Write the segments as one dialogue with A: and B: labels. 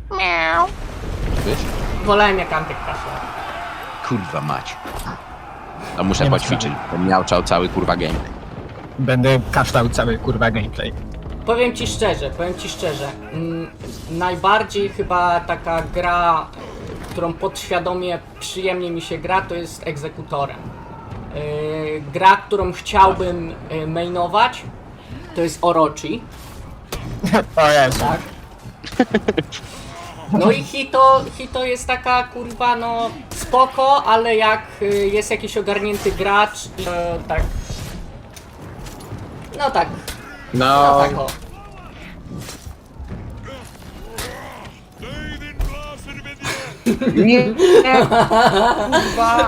A: Miau.
B: Wiesz?
C: Wolałem jak Antek kaszlał.
B: Kurwa mać. No muszę
D: Nie ma
B: poćwiczyć, bo miałczał cały kurwa gameplay.
D: Będę kaształ cały kurwa gameplay.
C: Powiem ci szczerze, najbardziej chyba taka gra, którą podświadomie przyjemnie mi się gra, to jest Egzekutorem. Gra, którą chciałbym mainować, to jest Orochi,
D: O Jezu.
C: tak? No i Hito jest taka kurwa no spoko, ale jak jest jakiś ogarnięty gracz, tak. No tak, no tak o.
B: Nie, kurwa.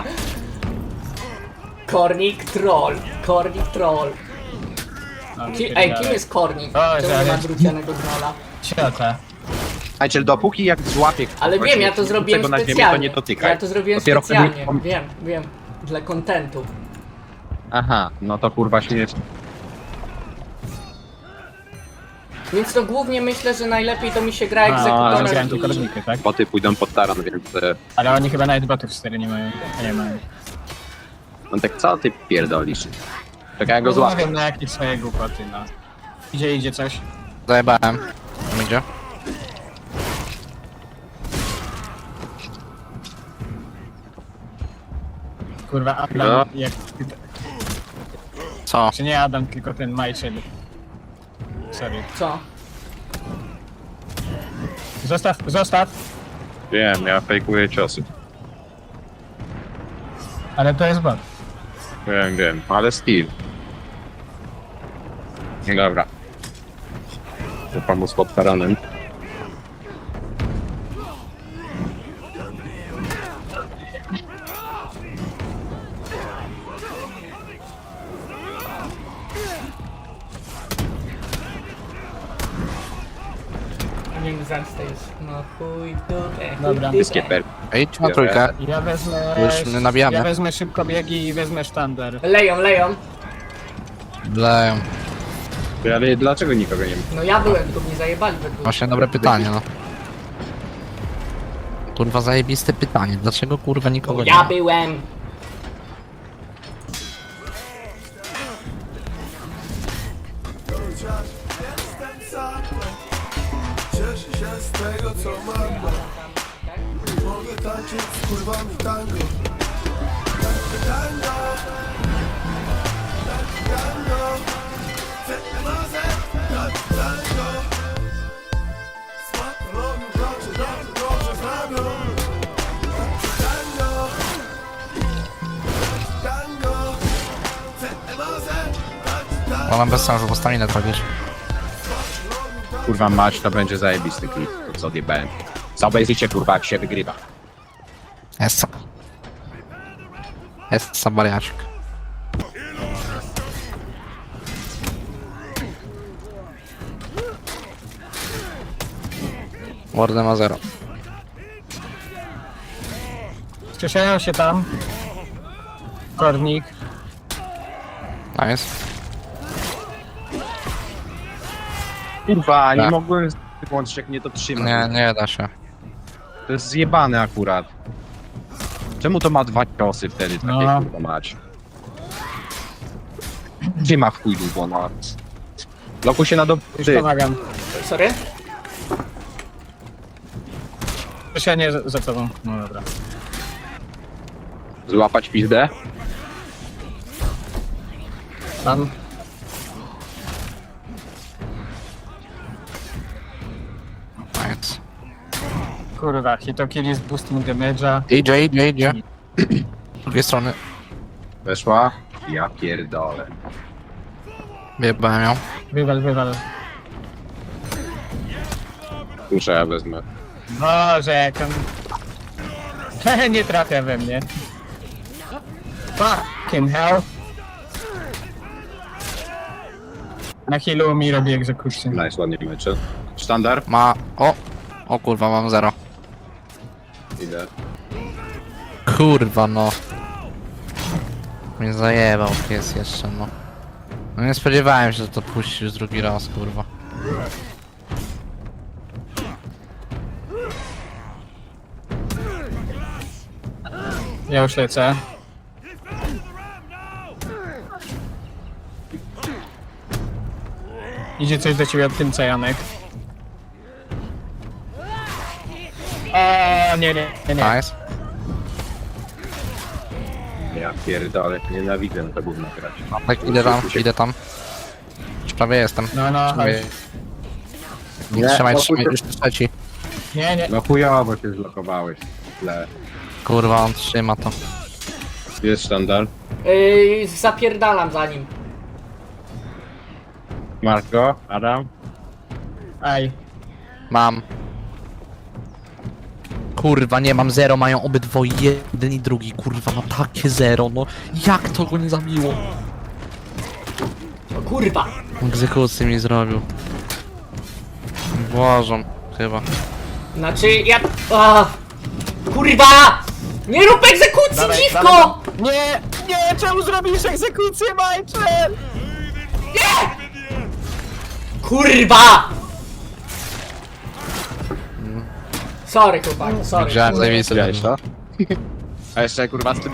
C: Kornik troll. Ej, kim jest Kornik?
D: O,
C: Czemu nie ma
D: ale-
C: drucianego trolla?
D: Ciota.
B: Słuchajcie, dopóki jak złapie
C: Ale
B: kogoś
C: wiem, ja to zrobiłem
B: na ziemię, to
C: specjalnie.
B: nie dotykaj.
C: Ja to zrobiłem
B: Dopiero
C: specjalnie.
B: wtedy-
C: Wiem. Dla kontentu.
B: Aha, no to kurwa się...
C: Więc to głównie myślę, że najlepiej to mi się gra
D: A, ale
C: egzekutorem
D: grałem tu
C: i...
D: korniki, tak?
B: Boty pójdą pod taran, więc...
D: Ale oni chyba nawet botów 4 nie mają. Nie mają.
B: No tak co ty pierdolisz? Czekaj, ja go
D: Nie
B: złapię.
D: wiem na jakie swoje głupoty, no. Idzie coś.
A: Zajebałem. Idzie.
D: Kurwa, Adam,
B: No.
D: jak...
A: Co?
D: Czy nie Adam, tylko ten Majczel. Sorry.
C: Co?
D: Zostaw!
B: Wiem, ja fejkuję ciosy.
D: Ale to jest bot.
B: Wiem, ale skill. Nie dobra. To pomóc pod taranem.
C: Nie zemstę jest. No chuj dupę.
D: Dobra.
B: Wszystkie perki.
A: Ej, na trójkę.
D: Ja wezmę...
A: Już my nabijamy.
D: Ja wezmę szybko biegi i wezmę sztandar.
C: Leją.
A: Leją.
B: Ale dlaczego nikogo nie ma?
C: No ja byłem, tylko mnie zajebali we dwóch.
A: Właśnie dobre pytanie, no. Kurwa, zajebiste pytanie. Dlaczego kurwa nikogo nie
C: Ja
A: ma?
C: byłem.
E: Cieszę się z tego co mam. Mogę tańczyć z kurwami tango. Tango. Tango. Tango. Z patologią bracie, dobrze znamią. Tango. Tango.
A: Bo mam bez sensu, bo staminę trafisz.
B: Kurwa mać, to będzie zajebisty klip. To co odjebałem. Zobaczycie kurwa jak się wygrywa.
A: Essa. Essa bariaczek. Warden ma 0.
D: Strzeszają się tam. Kornik.
A: Nice.
B: Kurwa, nie
A: Tak.
B: mogłem wyłączyć jak mnie to trzyma.
A: Nie da się.
B: To jest zjebane akurat. Czemu to ma 2 ciosy wtedy takie
D: No.
B: kurwa mać? Gdzie ma w chuj długo, no. Blokuj się na do...
D: Już
B: Ty.
D: pomagam.
C: Sorry?
D: Strzeszenie za tobą. No dobra.
B: Złapać pizdę?
D: Tam.
A: Nice.
D: Kurwa, Hitokill jest boosting damage'a.
A: Idzie. Z drugiej strony.
B: Weszła? Ja pierdolę.
A: Wyjebałem ją.
D: Wywal.
B: Muszę ja wezmę.
D: Boże, jak on... Nie trafia we mnie. Fucking hell. Na healu mi robi egzekucję.
B: Nice, ładnie mecze. Sztandar?
A: Ma... O kurwa, mam 0.
B: Idę.
A: Kurwa, no. Mnie zajebał pies jeszcze, no. No nie spodziewałem się, że to puścisz drugi raz, kurwa.
D: Ja już lecę. Idzie coś do ciebie od tym Janek. O, nie.
A: Nice.
B: Ja pierdolę, nienawidzę to gówno grać.
A: Tak, idę tam. Już prawie jestem.
D: No,
A: Prawie.
B: Nie,
A: Trzymaj,
B: spokój.
A: już trzeci.
D: nie.
B: No chujowo się zlokowałeś. Źle.
A: Kurwa, on trzyma to.
B: Jest sztandar.
C: Zapierdalam za nim.
B: Masz go, Adam?
D: Aj.
A: Mam. Kurwa, nie mam zero, mają obydwoje, jeden i drugi, kurwa, ma takie zero, no jak to go nie zabiło?
C: O kurwa.
A: Egzekucję mi zrobił. Błażą, chyba.
C: Znaczy ja... Kurwa! Nie rób egzekucji,
D: Dawaj,
C: dziwko!
D: Nie, czemu zrobisz egzekucję, Michael?
C: Kurwa! Sorry chłopaki, sorry.
A: Widziałem zajebisty.
B: Widziałeś to? A jeszcze kurwa z tym...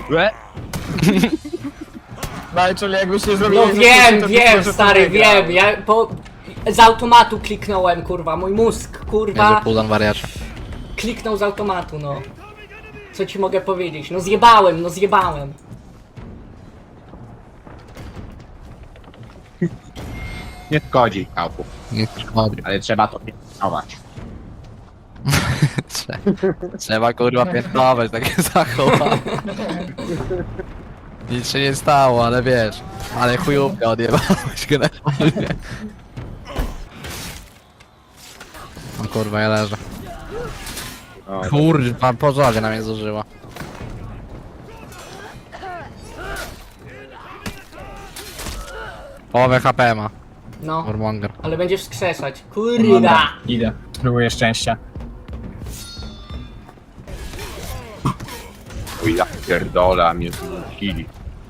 D: Michael, jakbyś nie zrobił
C: No
D: egzekucji, to być
C: wiem,
D: może
C: stary,
D: wygrał.
C: wiem. Ja z automatu kliknąłem, kurwa. Mój mózg,
A: Jezu,
C: kurwa,
A: Pudan wariacie.
C: kliknął z automatu, no. Co ci mogę powiedzieć? No zjebałem.
B: Nie szkodzi, kałpu.
A: Nie szkodzi.
B: Ale trzeba to pilnować.
A: Trzeba kurwa piętnować takie zachowanie. Nic się nie stało, ale wiesz. Ale chujówkę odjebałeś generalnie. O kurwa, ja leżę.
B: O,
A: Kurwa, pożarze na mnie zużyła. Połowę HP ma,
C: No,
A: Warmonger.
C: ale będziesz wskrzeszać. Kurwa!
D: Idę. Spróbuję szczęścia.
B: Uj, ja pierdolę, a mnie kili.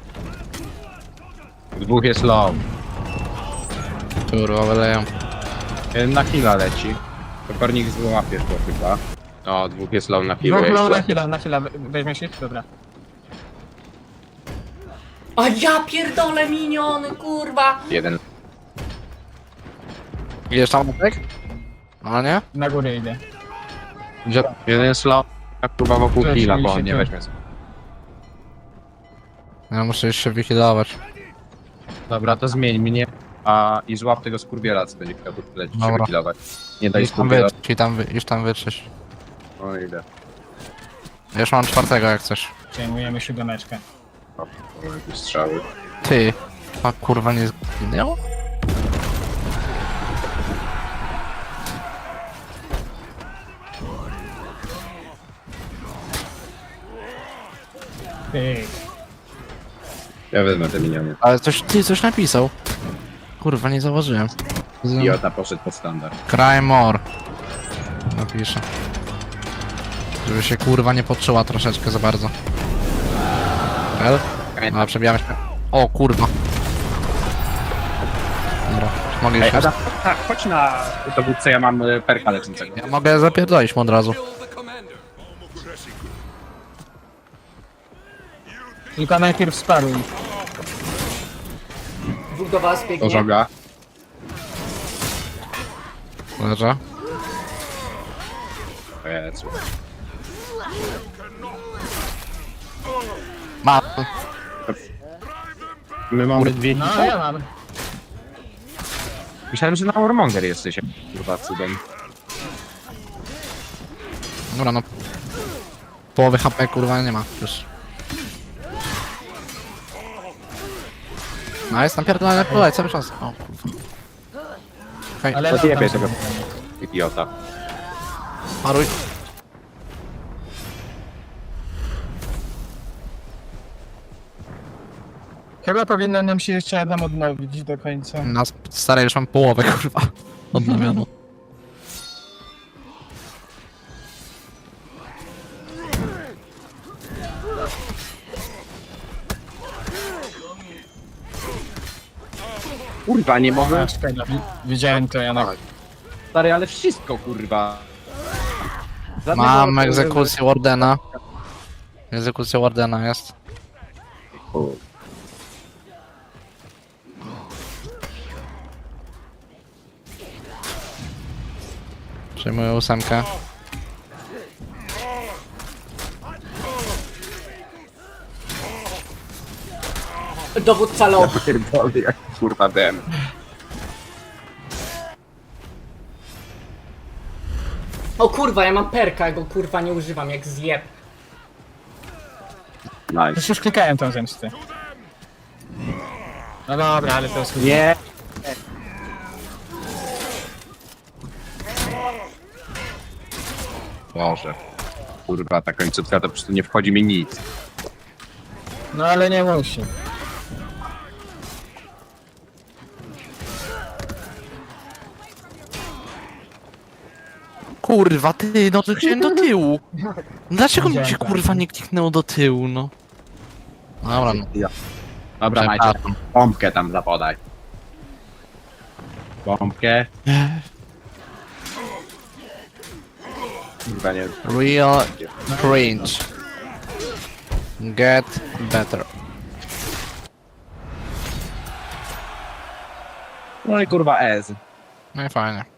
B: Dwóch jest low.
A: Kurwa, wyleją.
B: Jeden na heala leci. Kopernik złapiesz go chyba. O, dwóch jest low na healu
D: Na chwilę, weźmiesz ich? Dobra.
C: A ja pierdolę miniony, kurwa!
B: Jeden.
A: Idziesz tam, Opek? No nie?
D: Na górę idę.
B: Gdzie? Jeden jest low. Jak kurwa wokół
D: Cześć,
B: heala,
D: mi
B: bo
D: się
B: on nie
D: tu-
B: weźmie.
A: Ja muszę jeszcze wyhealować.
B: Dobra, to zmień mnie. I złap tego skurwiela, co będzie chciał tu lecieć,
A: Dobra.
B: się wykilować. Nie daj
A: Już tam
B: skurwiela.
A: wytrzeć, już tam wytrzeć.
B: O, idę.
A: Ja już mam czwartego jak chcesz.
D: Przejmujemy siódemeczkę.
B: O, jakieś strzały.
A: Ty. A kurwa nie zginęło?
D: Pyk.
B: Ja wezmę te miniony.
A: Ale coś napisał. Kurwa, nie zauważyłem.
B: Idiota poszedł pod standard.
A: Cry more. Napiszę. Żeby się kurwa nie poczuła troszeczkę za bardzo. El? No, przebijamy się. O kurwa. Dobra, mogę
B: Ej,
A: iść.
B: Adam, tak, chodź na dowódcę, ja mam perka lecącego.
A: Ja mogę zapierdolić mu od razu.
D: Tylko najpierw sparuj.
C: Dwóch do was
B: Do
C: biegnie.
B: żoga.
A: Leżę.
B: Jezu.
A: Mam.
B: My mamy dwie
D: No,
B: hity.
D: ja mam.
B: Myślałem, że na Warmonger jesteś, kurwa, cudem.
A: Dobra, no. Połowy HP kurwa nie ma już. No jest napierdolone pulej cały czas. O kurwa. Okej,
D: Ale
B: Odjebie
D: tam-
B: tego idiota.
A: paruj.
D: Chyba powinno nam się jeszcze Adam odnowić do końca.
A: Na starej już mam połowę kurwa. Odnowiono.
B: Kurwa, nie mogę.
D: A, szkoda. Widziałem to, Janek.
B: Stary, ale wszystko, kurwa.
A: Mam egzekucję Wardena. Egzekucja Wardena jest. Przyjmuję 8.
C: Dowódca low.
B: Pierdolę, jak kurwa dem.
C: O kurwa, ja mam perka, ja go kurwa nie używam, jak zjeb.
B: Nice.
D: Już klikałem tą zemstę. No dobra, ale to jest...
B: Nie. Boże. Kurwa, ta końcówka to po prostu nie wchodzi mi nic.
D: No ale nie musi.
A: Kurwa, ty, no to chciałem do tyłu. Dlaczego mi się
D: Widziałem,
A: kurwa nie kliknęło do tyłu, no? Dobra, no.
B: Dobra, Majcie,
A: Przepraszam.
B: pompkę tam zapodaj. Pompkę. Kurwa, nie.
A: Real cringe. Get better.
B: No i kurwa Ez.
A: No i fajnie.